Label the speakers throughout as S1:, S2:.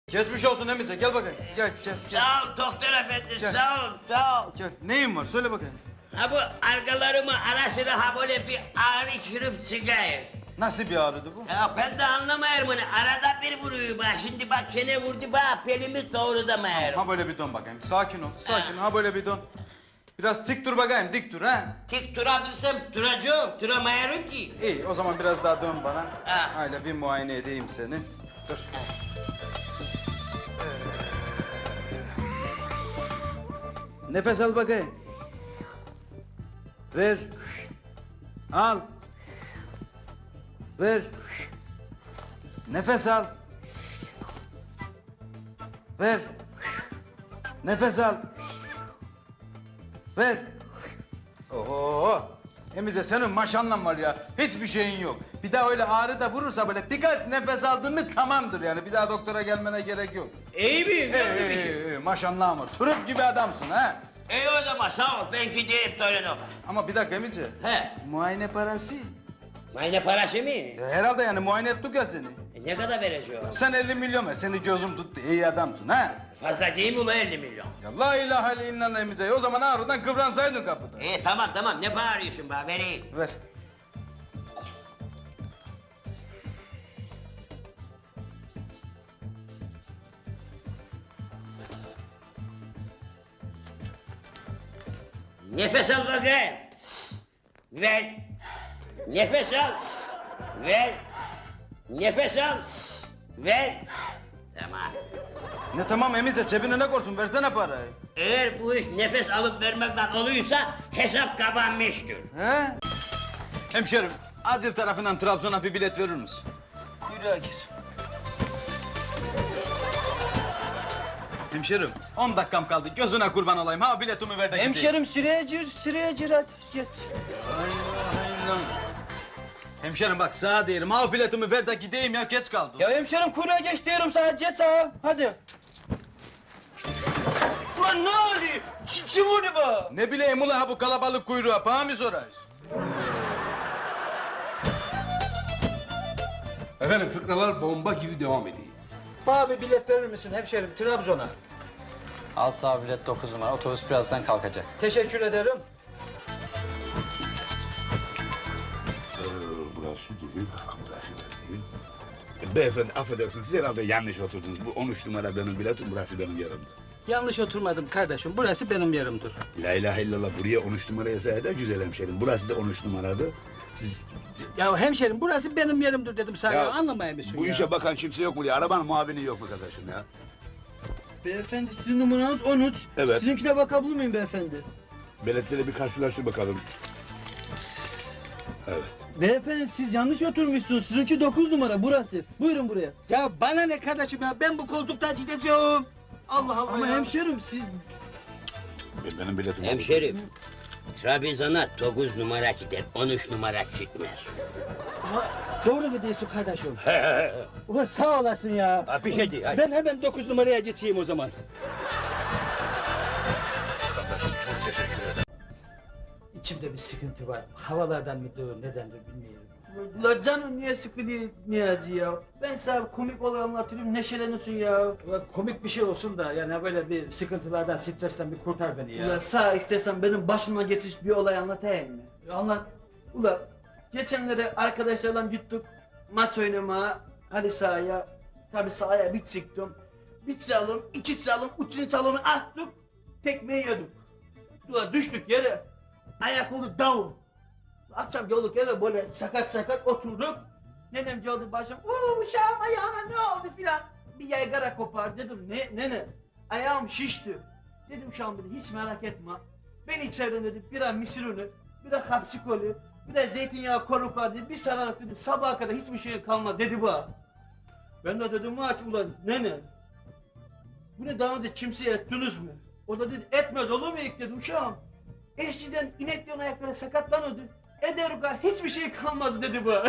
S1: Geçmiş olsun Emice, gel bakayım. Gel.
S2: Sağ ol doktor efendi,
S1: Gel.
S2: sağ ol.
S1: Gel. Neyin var? Söyle bakayım.
S2: Ha bu arkalarımı ara sıra ha böyle bir ağrı kürüp çıkıyor.
S1: Nasıl bir ağrıdı bu?
S2: Ya ben de anlamayarım bunu. Arada bir vuruyor bak. Şimdi bak çene vurdu bak. Pelimi doğrulamayarım.
S1: Ha böyle bir dön bakayım. Sakin ol. Ha böyle bir dön. Biraz dik dur bakayım, dik dur ha.
S2: Tik durabilsem duracağım. Duramayarım ki.
S1: İyi, o zaman biraz daha dön bana.
S2: Ha.
S1: Öyle bir muayene edeyim seni. Dur. Nefes al bakayım. Ver. Al. Ver. Nefes al. Ver. Nefes al. Ver. Oho. Emize senin maşallah var ya. Hiçbir şeyin yok. Bir daha öyle ağrı da vurursa böyle birkaç nefes aldın mı tamamdır yani. Bir daha doktora gelmene gerek yok.
S2: İyi miyim? Yok mu bir şey?
S1: Maşallah var. Turp gibi adamsın ha.
S2: İyi o zaman sağ ol. Ben gideyim Torino'ma.
S1: Ama bir dakika Emice.
S2: He.
S1: Muayene parası.
S2: Mayne parası mı?
S1: Herhalde yani muayene ettik ya seni.
S2: Ne kadar vereceğim?
S1: Sen 50 milyon ver. Seni gözüm tuttu. İyi adamsın ha.
S2: Fazla değil mi ulan 50 milyon?
S1: Ya la ilahe illallah Emice. O zaman ağrıdan kıvransaydın kapıda.
S2: İyi tamam. Ne bağırıyorsun bana? Vereyim.
S1: Ver.
S2: Nefes al bakayım. Ver. Nefes al. Ver. Nefes al. Ver. Tamam.
S1: Ne tamam Emice cebine ne korsun versene parayı.
S2: Eğer bu iş nefes alıp vermekten oluyorsa hesap kapanmıştır.
S1: He? Hemşerim acil tarafından Trabzon'a bir bilet verir misin?
S3: Kuyruğa gir.
S1: Hemşerim 10 dakikam kaldı gözüne kurban olayım ha biletimi ver de gideyim.
S3: Hemşerim sıraya gir hadi geç.
S1: Hemşerim bak sağa diyelim ha biletimi ver de gideyim ya geç kaldım.
S3: Ya hemşerim kuyruğa geç diyorum sana geç sağa hadi. Ulan ne oluyor? Kim onu bu?
S1: Ne bileyim ula ha bu kalabalık kuyruğa paha mı sorayız?
S4: Efendim fıkralar bomba gibi devam ediyor.
S3: Bana bir bilet verir misin hemşerim Trabzon'a?
S5: Al sağ bilet 9 numara. Otobüs birazdan kalkacak.
S3: Teşekkür ederim.
S6: Burası değil, burası değil. Beyefendi affedersiniz, siz herhalde yanlış oturdunuz. Bu 13 numara benim biletim, burası benim yerimdir.
S3: Yanlış oturmadım kardeşim. Burası benim yerimdir.
S6: La ilahe illallah, buraya 13 numara yazsaydı da güzel hemşerim. Burası da 13 numaradı. Siz...
S3: Ya hemşerim burası benim yerimdir dedim sana. Ya, anlamaya mısın
S6: Bu
S3: ya?
S6: işe bakan kimse yok mu diye, arabanın muavini yok mu kardeşim ya?
S3: Beyefendi sizin numaranız 13.
S6: Evet.
S3: Sizinkine bakabilir miyim beyefendi?
S6: Biletleri bir karşılaştır bakalım. Evet.
S3: Beyefendi siz yanlış oturmuşsunuz. Sizinki 9 numara burası. Buyurun buraya. Ya bana ne kardeşim ya? Ben bu koltuktan gideceğim. Allah Allah Ama hemşerim siz...
S6: Benim biletim...
S2: Hemşerim. Trabzon'a 9 numara gider, 13 numara gitmez.
S3: Doğru mu diyorsun kardeşim? Ulan sağ olasın ya.
S2: Ha, bir şey değil, hadi.
S3: Ben hemen 9 numaraya geçeyim o zaman.
S6: Kardeşim çok teşekkür ederim.
S3: İçimde bir sıkıntı var. Havalardan mıdır, nedendir bilmiyorum. Ulan canım niye sıkılıyor Niyazi ya? Ben sana komik olay anlatayım, neşelenirsin ya. Ulan komik bir şey olsun da yani böyle bir sıkıntılardan, stresten bir kurtar beni ya.
S7: Ulan sağ istersen benim başıma geçmiş bir olay anlatayım mı?
S3: Anlat.
S7: Ulan geçenlere arkadaşlarla gittik maç oynamaya halı sahaya. Tabii sahaya bir çıktım. Bir çalım, iki çalım, üçüncü çalımı attık. Tekmeyi yedik. Ulan düştük yere. Ayak oldu down. Akşam geldik eve böyle sakat oturduk. Nenem geldi başım. Uşağım ayağına ne oldu filan. Bir yaygara kopar dedim. Nene ayağım şişti. Dedim uşağım dedi hiç merak etme. Ben içerim dedi biraz misir unu, biraz hapsi kolu, biraz zeytinyağı koruka dedi. Bir sararak dedi sabaha kadar hiçbir şey kalmaz dedi bu. Ben de dedim aç ulan nene. Bunu daha önce kimseye ettiniz mi? O da dedi etmez olur mu ilk dedi uşağım. Eskiden ineklerin ayakları sakatlanıyordu. Ederuka hiçbir şey kalmaz dedi bu.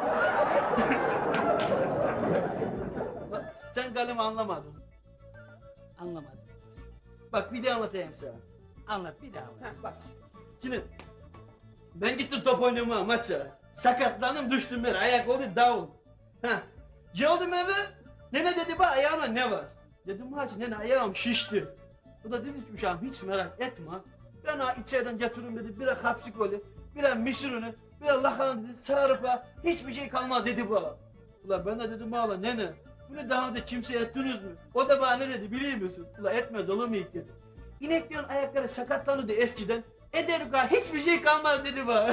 S7: Bak, sen galiba anlamadın.
S3: Anlamadım.
S7: Bak bir de anlatayım sana.
S3: Anlat bir daha anlat.
S7: Heh, bas. Şimdi ben gittim top oynamaya maça. Sakatlandım düştüm ben ayak oldu down. Geldim eve Nene dedi bak ayağına ne var? Dedim hacı nene ayağım şişti. O da dedi ki uşağım hiç merak etme. Ben ha içeriden getiririm dedi. Bira kapsikoli, bira misirunu, bira lahana dedi. Sararıpa hiçbir şey kalmaz dedi bana. Ulan ben de dedim valla nene. Bunu daha önce kimseye ettiniz mi? O da bana ne dedi biliyor musun? Ulan etmez olur mu ilk dedi. İneklerin ayakları sakatlanırdı eskiden. Eder hiçbir şey kalmaz dedi bana.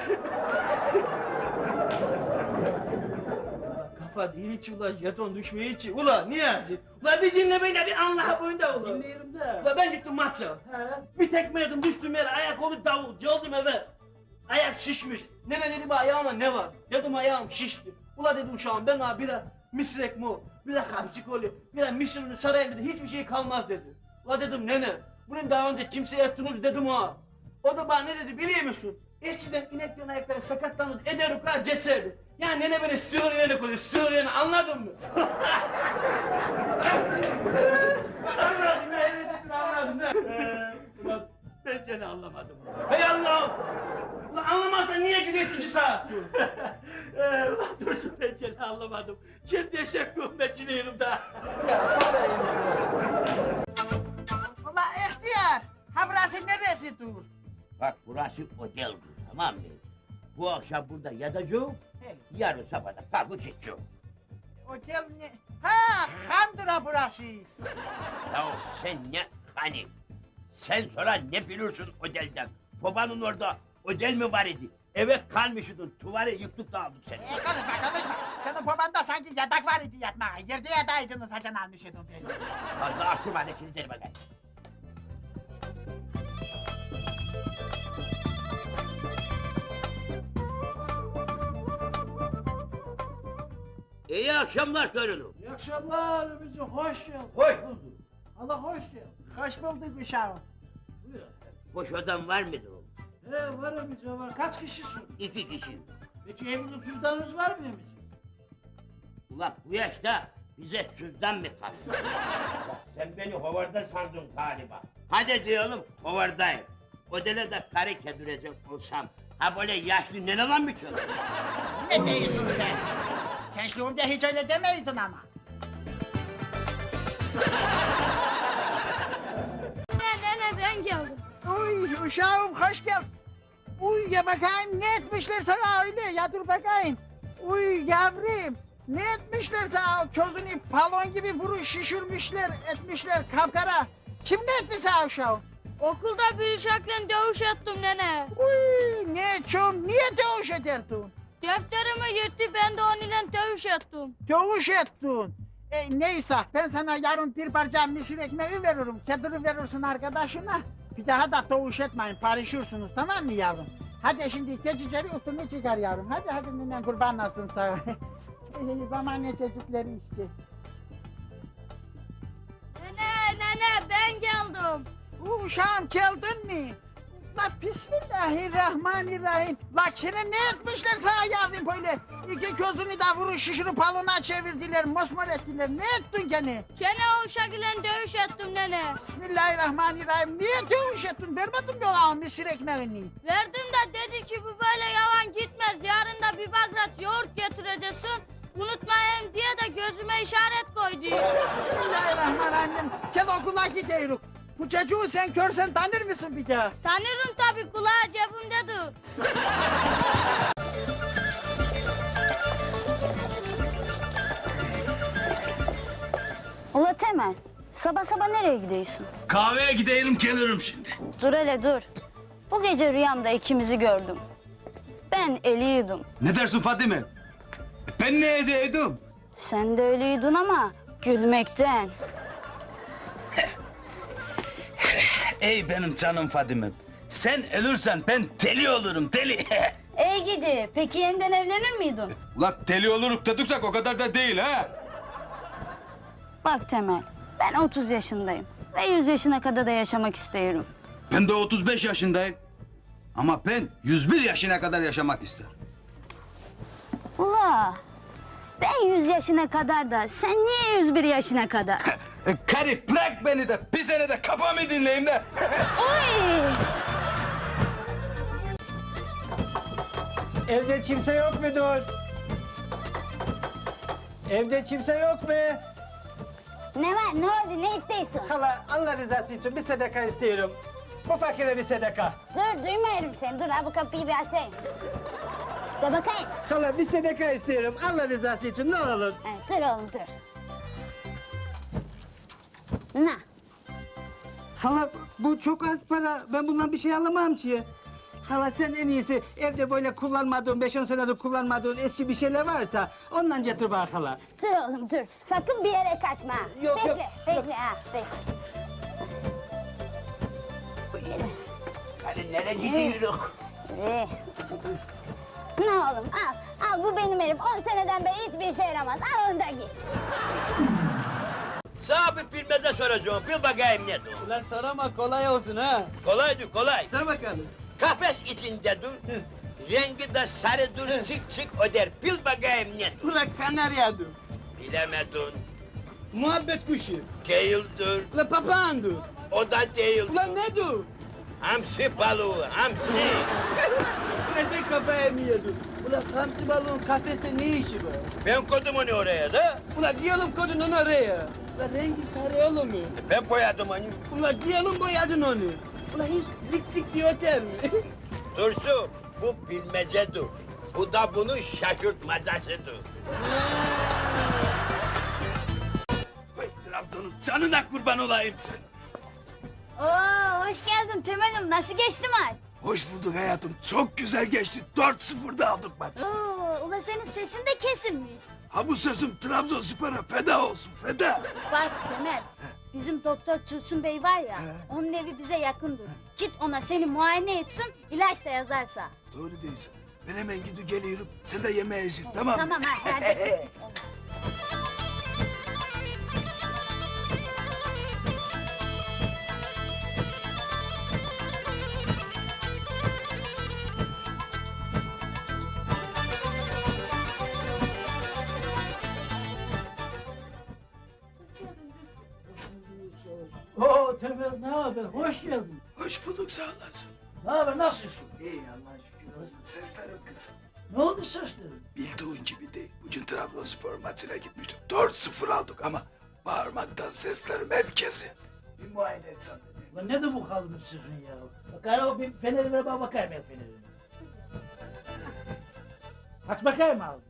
S7: Kafa değil hiç ulan jeton düşmeye hiç. Ulan Niyazi. Ulan bir dinle beni bir anla boyunda ulan.
S3: Dinleyelim de.
S7: Ulan ben gittim maça. Bir tekme yedim düştüm yere ayak oldu davul. Geldim eve. Ayak şişmiş. Nene dedi bana ayağıma ne var? Dedim ayağım şişti. Ula dedi uşağım ben ha bira misrek mu? Bira kapçikoli, bira misirunu sarayım dedi. Hiçbir şey kalmaz dedi. Ula dedim nene. Bunun daha önce kimseye ettiniz dedim ha. O da bana ne dedi biliyor musun? Eskiden ineklerin ayakları sakatlanırdı, ederuka ceserdi. Yani nene beni sığır yerine koyuyor, sığır yerine anladın mı? Anladım ya, evet dedim anladım ya. Ulan ben seni anlamadım. Hey Allah'ım! Ulan anlamazsan niye Cüneyt'inci saat? Ulan dursun ben seni anlamadım. Şimdi eşekliğim ben Cüneyt'im daha.
S8: Ulan ihtiyar, ha burası neresi dur?
S2: Bak burası oteldir tamam mı? Bu akşam burada yatacağım. Yarın sabah da kalkıp gideceğim.
S8: Otel ne? Ha, Handıra burası.
S2: Ya sen ne hani? Sen sonra ne bilirsin otelden? Babanın orada otel mi var idi? Eve kalmışydın, tuvarı yıktık da aldık seni.
S8: Konuşma. Senin babanda sanki yatak var idi yatmaya. Yerde yataydınız hacan almışydın beni.
S2: Fazla aklıma ne kilitleri bakayım. İyi akşamlar torunum.
S3: İyi akşamlar Ömürcüğüm, hoş geldin.
S2: Hoş bulduk.
S3: Allah hoş geldin.
S8: Hoş bulduk uşağım.
S3: Buyur.
S2: Boş odam var mıdır oğlum?
S3: Var Ömürcüğüm var. Kaç kişisin?
S2: 2 kişi.
S3: Peki evinde cüzdanınız var mı Ömürcüğüm?
S2: Ulan bu yaşta bize cüzdan mı kaldı? Bak sen beni hovarda sandın galiba. Hadi diyelim hovardayım. Odele de karı kedirecek olsam, ha böyle yaşlı neneler mi çalıyor?
S8: Ne diyorsun sen? Gençliğimde hiç öyle demeydin ama.
S9: Nene ben geldim.
S8: Uy uşağım hoş geldin. Uy ya bakayım ne etmişler sana öyle ya dur bakayım. Uy yavrum ne etmişler sana közünü balon gibi vuruş şişirmişler etmişler kapkara. Kim ne etti sana uşağım?
S9: Okulda bir uşakla dövüş ettim nene.
S8: Uy ne çom niye dövüş ederdin?
S9: Defterimi yırttı ben de onunla dövüş ettim.
S8: Dövüş ettin. Neyse ben sana yarın bir parça misir ekmeği veririm. Kediri verirsin arkadaşına. Bir daha da dövüş etmeyin parışırsınız tamam mı yavrum? Hadi şimdi keçiceri üstünü çıkar yavrum. Hadi ninen kurban olsun sana. Zamane çocukları işte.
S9: Nene ben geldim.
S8: Uşağım geldin mi? La bismillahirrahmanirrahim. La kire ne etmişler sana yavrum böyle? İki gözünü de vuruş şişirip balona çevirdiler, mosmor ettiler. Ne ettin gene?
S9: Gene o uşakla dövüş ettim nene.
S8: Bismillahirrahmanirrahim. Niye dövüş ettin? Vermedin mi ona misir ekmeğini?
S9: Verdim de dedi ki bu böyle yavan gitmez. Yarın da bir bagrat yoğurt getireceksin. Unutmayayım diye de gözüme işaret koydu.
S8: Bismillahirrahmanirrahim. Gel okula gidiyoruz. Bu çocuğu sen görsen tanır mısın bir daha?
S9: Tanırım tabii kulağı cebimdedir.
S10: Ula Temel, sabah sabah nereye gidiyorsun?
S1: Kahveye gidelim gelirim şimdi.
S10: Dur hele dur. Bu gece rüyamda ikimizi gördüm. Ben eliydim.
S1: Ne dersin Fadime? Ben ne edeydim?
S10: Sen de ölüydün ama gülmekten.
S1: Ey benim canım Fadime'm. Sen ölürsen ben deli olurum deli.
S10: Ey gidi, peki yeniden evlenir miydin?
S1: Ulan deli oluruk dediksek o kadar da değil ha.
S10: Bak Temel, ben 30 yaşındayım ve 100 yaşına kadar da yaşamak istiyorum.
S1: Ben de 35 yaşındayım. Ama ben 101 yaşına kadar yaşamak isterim.
S10: Ula, ben 100 yaşına kadar da sen niye 101 yaşına kadar?
S1: Karı bırak beni de bir sene de kafamı dinleyeyim de.
S10: Oy!
S3: Evde kimse yok mudur? Evde kimse yok mu?
S10: Ne var, ne oldu, ne istiyorsun?
S3: Hala Allah rızası için bir sadaka istiyorum. Bu fakire bir sadaka.
S10: Dur, duymuyorum seni. Dur, ha bu kapıyı bir açayım. Dur bakayım.
S3: Hala bir sadaka istiyorum. Allah rızası için ne olur.
S10: Evet, dur oğlum, dur. Ne?
S3: Hala bu çok az para. Ben bundan bir şey alamam ki. Hala sen en iyisi evde böyle kullanmadığın, 5-10 senedir kullanmadığın eski bir şeyler varsa ondan getir bana hala.
S10: Dur oğlum, dur. Sakın bir yere kaçma. ha.
S3: Yok,
S10: bekle,
S3: yok,
S10: bekle, ha, bekle.
S2: Hani nereye gidiyoruz?
S10: İyi. Ne oğlum, al bu benim elim. 10 seneden beri hiçbir işe yaramaz. Al onu da git.
S2: Sana bir bilmece soracağım. Bil bakayım nedir?
S3: Ulan sorama kolay olsun ha.
S2: Kolaydı kolay.
S3: Sor bakalım.
S2: Kafes içinde dur. Rengi de sarıdır, çık çık öder. Bil bakayım nedir?
S3: Ulan kanaryadır.
S2: Bilemedin.
S3: Muhabbet kuşu.
S2: Değildir.
S3: Ulan papağandır.
S2: O da değil.
S3: Ulan nedir?
S2: Hamsi balığı, hamsi.
S3: Nereden kafaya mı yedin? Ulan hamsi balığın kafeste ne işi var?
S2: Ben koydum onu oraya da.
S3: Ulan diyelim kodun oraya. Ulan rengi sarı olur mu?
S2: Ben boyadım onu.
S3: Ulan diyelim boyadın onu. Ulan hiç zik zik diye öter mi?
S2: Dursun, bu bilmecedir. Bu da bunun şaşırtmacasıdır.
S6: Vay Trabzon'un canına kurban olayım sen.
S10: Oo, hoş geldin Temel'im. Nasıl geçti maç?
S6: Hoş bulduk hayatım. Çok güzel geçti. 4-0'da aldık maçı.
S10: Oo, ula senin sesin de kesilmiş.
S6: Ha bu sesim Trabzonspor'a feda olsun, feda.
S10: Bak Temel, bizim doktor Tursun Bey var ya, onun evi bize yakındır. Git ona seni muayene etsin, ilaç da yazarsa.
S6: Doğru diyorsun. Ben hemen gidip geliyorum. Sen de yemeğe yesin, tamam mı?
S10: Tamam ha, hadi.
S3: Oo Temel ne haber? Hoş geldin.
S6: Hoş bulduk, sağ olasın.
S3: Ne haber? Nasılsın?
S6: İyi Allah'a şükür. Seslerim kızım.
S3: Ne oldu saçların?
S6: Bildiğin gibi değil. Bugün Trabzonspor maçına gitmiştim. 4-0 aldık ama bağırmaktan seslerim hep kesildi. Bir muayene etsem beni.
S3: Ulan nedir bu halimiz sizin ya? Bakar o bir feneri ver bana bakayım el fenerini. Aç bakayım ağzını.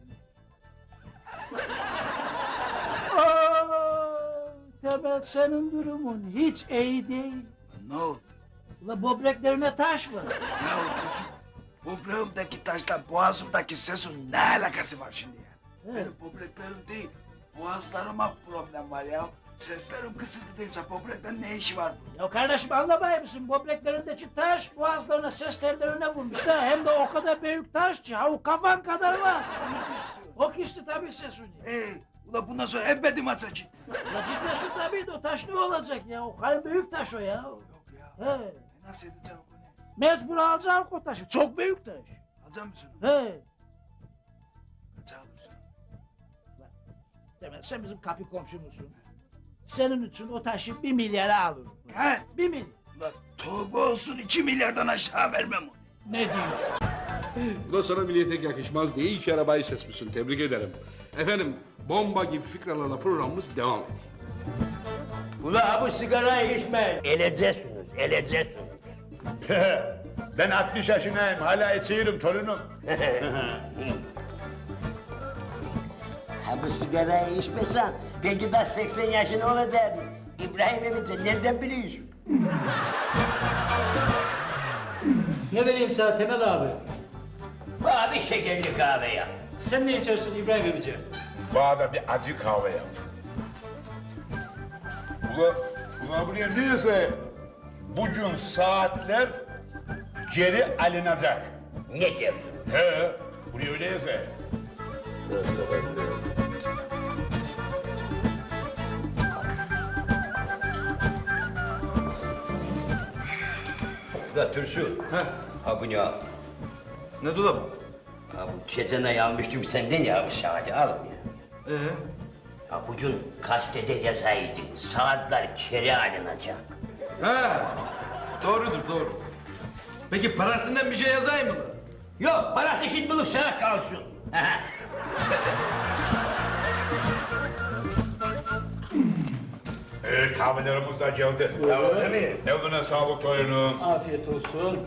S3: Temel senin durumun hiç iyi değil.
S6: Ne oldu?
S3: Ulan böbreklerine taş var.
S6: Ya Dursun, böbreğimdeki taşla boğazımdaki sesin ne alakası var şimdi ya? Benim böbreklerim değil, boğazlarıma problem var ya. Seslerim kısıldı değilse böbrekten ne işi var bu?
S3: Ya kardeşim anlamay mısın? Böbreklerindeki taş boğazlarına ses tellerine vurmuş ha. Hem de o kadar büyük taş ki ha o kafan kadar var.
S6: Onu istiyorum.
S3: O kişi tabii sesini.
S6: Ula bundan sonra ebedi maça git.
S3: Ya gitmesin tabii de o taş ne olacak ya? O kadar büyük taş o ya.
S6: Yok ya,
S3: He.
S6: nasıl edeceğim bunu?
S3: Mecbur alacağım o taşı. Çok büyük taş.
S6: Alacak mısın?
S3: He.
S6: Kaça alırsın?
S3: Demek sen bizim kapı komşumuzsun. Senin için o taşı 1 milyara alırım.
S6: Kaç?
S3: 1 milyar.
S6: Ula tövbe olsun 2 milyardan aşağı vermem onu.
S3: Ne diyorsun?
S4: Bu da sana milliyetek yakışmaz diye iyi ki arabayı seçmişsin. Tebrik ederim. Efendim, bomba gibi fikralarla programımız devam ediyor.
S2: Ula bu sigarayı içmeyin. Eleceksiniz, eleceksiniz.
S11: Ben 60 yaşındayım, hala içiyorum torunum.
S2: Ha bu sigarayı içmesen belki de 80 yaşında olacaktın. İbrahim Emice nereden biliyorsun?
S3: Ne vereyim sana Temel abi?
S2: Bana bir şekerli kahve yap.
S3: Sen ne içersin İbrahim Emice?
S11: Bana da bir acı kahve yap. Ula buraya neyse, bugün saatler geri alınacak.
S2: Ne diyorsun?
S11: He, buraya öyle yazıyor.
S2: Ula Tursun. Ha bu ne al?
S1: Ne dolabı?
S2: Ha bu geçen ay almıştım senden ya bu saati al ya. Ha bugün gazetede yazaydı. Saatler geri alınacak.
S1: Ha, doğrudur doğru. Peki parasından bir şey yazayım mı?
S2: Yok parası şimdilik sana kalsın.
S11: Evet kahvelerimiz de geldi. Değil mi? Eline sağlık torunum.
S3: Afiyet olsun.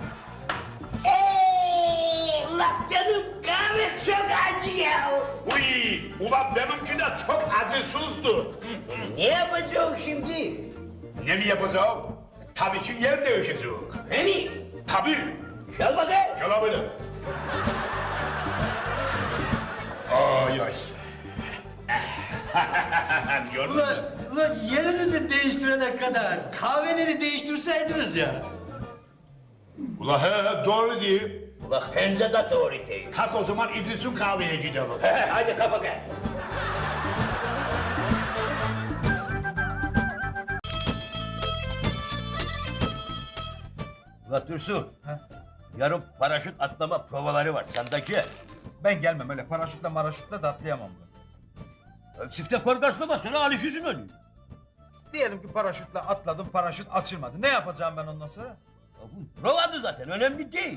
S2: Ulan benim kahve çok acı ya.
S11: Uy, ulan benimki de çok acısızdı.
S2: Ne yapacağım şimdi?
S11: Ne mi yapacağım? Tabii ki yer değişecek.
S2: He mi?
S11: Tabii.
S2: Gel bakayım.
S11: Gel abi. Ay ay. Gördün mü?
S7: Ulan yerinizi değiştirene kadar kahveleri değiştirseydiniz ya.
S11: Ula he doğru değil.
S2: Ulan bence de doğru değil.
S11: Kalk o zaman İdris'in kahveye gidelim.
S2: Hadi kapa gel. Ulan Dursun. Yarın paraşüt atlama provaları var. Sendeki.
S1: Ben gelmem öyle paraşütle maraşütle de atlayamam ben.
S2: Çifte korkarsın sonra alışıyorsun onu.
S1: Diyelim ki paraşütle atladım, paraşüt açılmadı. Ne yapacağım ben ondan sonra?
S2: Ya bu provadı zaten, önemli değil.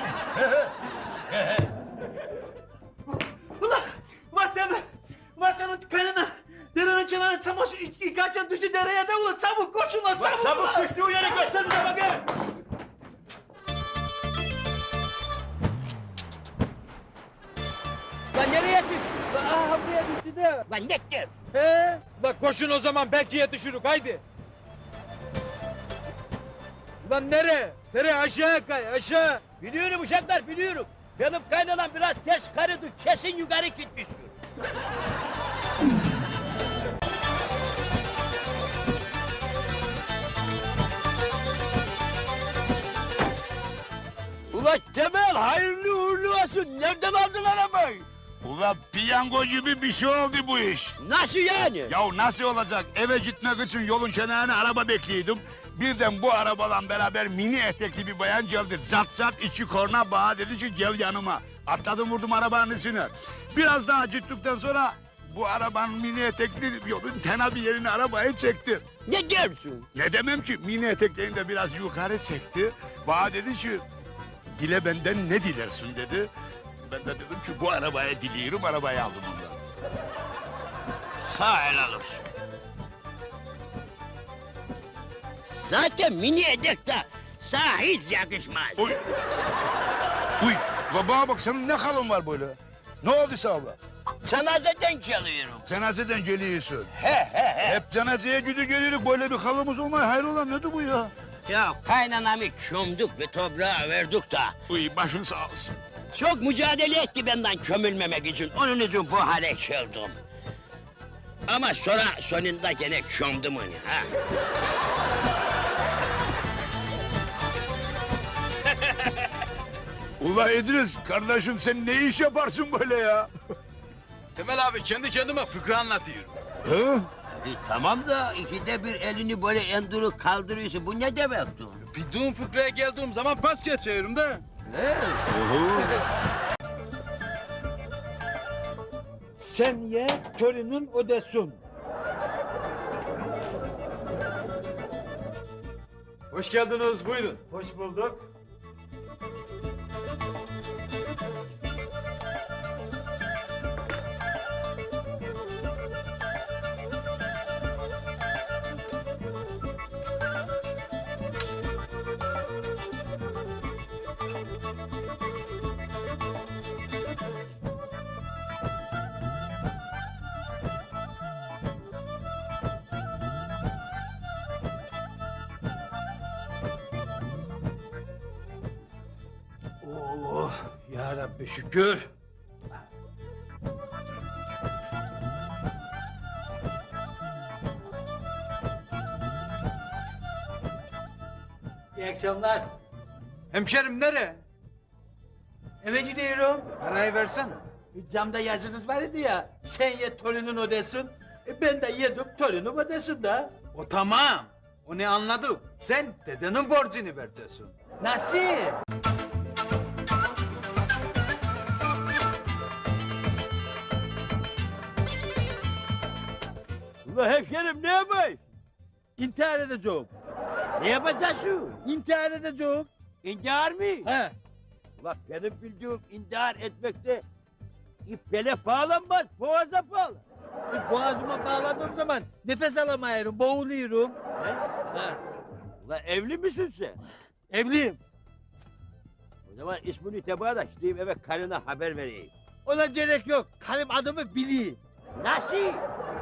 S7: Ulan deme. Ulan sen o kanına. Derenin kenarına çamaşır yıkarken düştü dereye de ulan çabuk koşun lan çabuk.
S2: Çabuk düştüğü yeri göster bize bakayım.
S7: Lan nereye düştü? Lan aha buraya düştü de.
S2: Lan nettir.
S7: He? Lan koşun o zaman belki düşürük haydi. Lan nereye? Nereye aşağı kay aşağı.
S2: Biliyorum uşaklar, biliyorum. Benim kaynanan biraz ters karıdı, kesin yukarı gitmiştir. Ulan Temel, hayırlı uğurlu olsun. Nereden aldın arabayı?
S11: Ula piyango gibi bir şey oldu bu iş.
S2: Nasıl yani?
S11: Ya nasıl olacak? Eve gitmek için yolun kenarına araba bekliyordum. Birden bu arabadan beraber mini etekli bir bayan geldi. Zat zat içi korna bana dedi ki gel yanıma. Atladım vurdum arabanın içine. Biraz daha gittikten sonra bu arabanın mini etekli yolun tena bir yerine arabayı çekti.
S2: Ne diyorsun?
S11: Ne demem ki mini eteklerini de biraz yukarı çekti. Bana dedi ki dile benden ne dilersin dedi. Ben de dedim ki bu arabaya diliyorum, arabayı aldım ondan.
S2: Sağ helal olsun. Zaten mini edek de sana hiç yakışmaz.
S11: Uy. Uy. La bana bak senin ne kalın var böyle? Ne oldu sana?
S2: Cenazeden geliyorum.
S11: Cenazeden geliyorsun.
S2: He.
S11: Hep cenazeye gidiyor geliyoruz böyle bir kalımız olmaya hayrola nedir bu ya?
S2: Ya kaynanamı kömdük ve toprağa verdik da.
S11: Uy başın sağ olsun.
S2: Çok mücadele etti benden kömülmemek için. Onun için bu hale geldim. Ama sonra sonunda gene kömdüm onu ha.
S11: Ula İdris kardeşim sen ne iş yaparsın böyle ya?
S1: Temel abi kendi kendime fıkra anlatıyorum.
S11: Hı?
S2: Tamam da ikide bir elini böyle endürüp kaldırıyorsun. Bu ne demektir?
S1: Bildiğim fıkraya geldiğim zaman pas geçiyorum da.
S7: Sen ye torunun ödesin.
S1: Hoş geldiniz buyurun.
S7: Hoş bulduk.
S3: Oh ya Rabbi şükür. İyi akşamlar.
S1: Hemşerim nereye?
S3: Eve gidiyorum.
S1: Parayı versene.
S3: Camda yazınız var idi ya. Sen ye torunun ödesin. Ben de yedim torunum ödesin da.
S1: O tamam. O ne anladık. Sen dedenin borcunu vereceksin.
S3: Nasıl?
S2: Ula hemşerim ne yapayım?
S3: İntihar edeceğim.
S2: Ne yapacaksın?
S3: İntihar edeceğim.
S2: İntihar mı?
S3: He.
S2: Ulan benim bildiğim intihar etmekte ipele bağlanmaz, boğaza bağlı.
S7: Boğazıma bağladığım zaman nefes alamıyorum, boğuluyorum.
S2: Ha. Ulan evli misin sen?
S7: Evliyim.
S2: O zaman ismini tebaa da gideyim eve karına haber vereyim.
S7: Ona gerek yok. Karım adımı biliyor.
S2: Nasıl?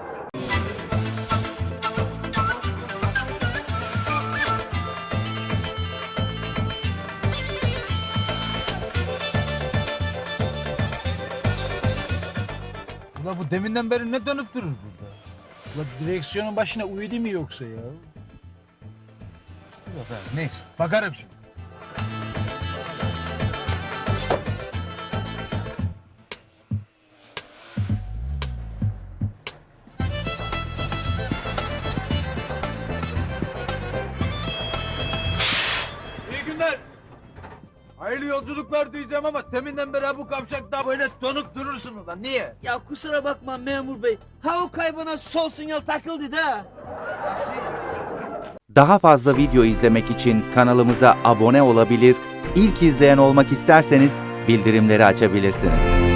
S1: Ula bu deminden beri ne dönüp durur burada?
S7: Ulan direksiyonun başına uyudu mu yoksa ya?
S1: Dur efendim, neyse bakarım şimdi. İyi günler. Hayırlı yolculuklar diyeceğim ama teminden beri bu kavşakta böyle donuk durursun ulan. Niye?
S7: Ya kusura bakma memur bey. Ha o kaybına sol sinyal takıldı da.
S1: Nasıl?
S12: Daha fazla video izlemek için kanalımıza abone olabilir, ilk izleyen olmak isterseniz bildirimleri açabilirsiniz.